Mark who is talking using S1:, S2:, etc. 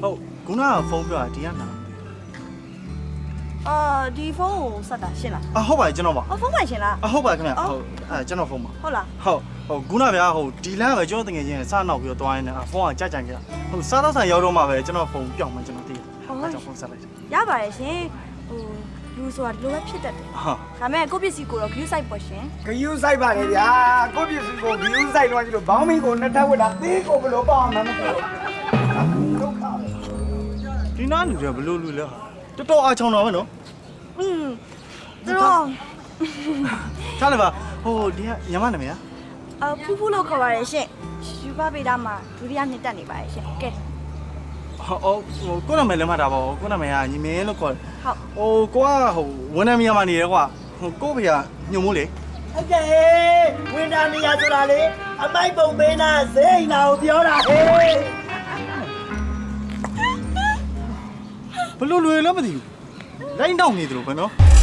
S1: ဟုတ်ခုနကဖုန်းပြောတာဒီကနာ
S2: ဒီဖုန်းကိုဆက်တာရှင်းလား
S1: ဟုတ်ပါတယ်ကျွန်တော်ပါ
S2: ဖုန်းပိုင်ရှင်းလား
S1: ဟုတ်ပါခင်ဗျဟုတ်ကျွန်တော်ဖုန်းပါ
S2: ဟုတ်လား
S1: ဟုတ်ခုနဗျာဒီလမ်းပဲကျွန်တော်တကယ်ချင်းစနောက်ပြီးတော့တွားရင်းနဲ့ဖုန်းကကြိုက်ကြိုက်ခဲ့စားတော့ဆန်ရောက်တော့မှပဲကျွန်တော်ဖုန်းပြောင်းမှကျွန်တော်သိတယ်ကျွန်တော်ဖုန်းဆက်လိုက်
S2: ရပါတယ်ရှင်လူဆိုတာဒီလိုပဲဖြစ်တတ်တယ်ဒါမဲ့ကိုပစ္စည်းကိုတော့ view site ပေါ့ရှင်
S3: view site ပါလေဗျာကိုပစ္စည်းကို view site တော့ကြီးလို့ဘောင်းမီကိုနှစ်ထပ်ဝတ်တာသေးကိုဘလို့ပေါ့မှမသိဘူးဒုက္ခပဲ
S1: ဒီနားလူတွေဘလို့လူလဲတော်တော်အားချောင်းတော့ပဲနော်
S2: သူတို့
S1: ထားလိုက်ပါဒီကညမနာမည်
S2: ဖူးဖူးလို့ခေါ်ပါတယ်ရှင်ယူပါပေတာမှာဒုတိယနှစ်တက်နေပါတယ်ရှင်ကဲ
S1: ကိုနာမည်လည်းမှတ်တာပါကိုနာမည်ကညီမင်းလို့ခေါ်တယ်
S2: ဟုတ်
S1: ကိုကဝန်ထမ်းမြန်မာနေတယ်ကွာကိုဖေကညုံမိုးလေ
S3: ဟုတ်ကဲ့ဝန်ထမ်းနေရဆိုတာလေအမိုက်ပုံပေးနာဇိမ်းနာကိုပြောတာဟေး
S1: ဘလို့လွယ်လည်းမသိဘူးလိုင်းတောင်းနေတယ်လို့ပဲနော်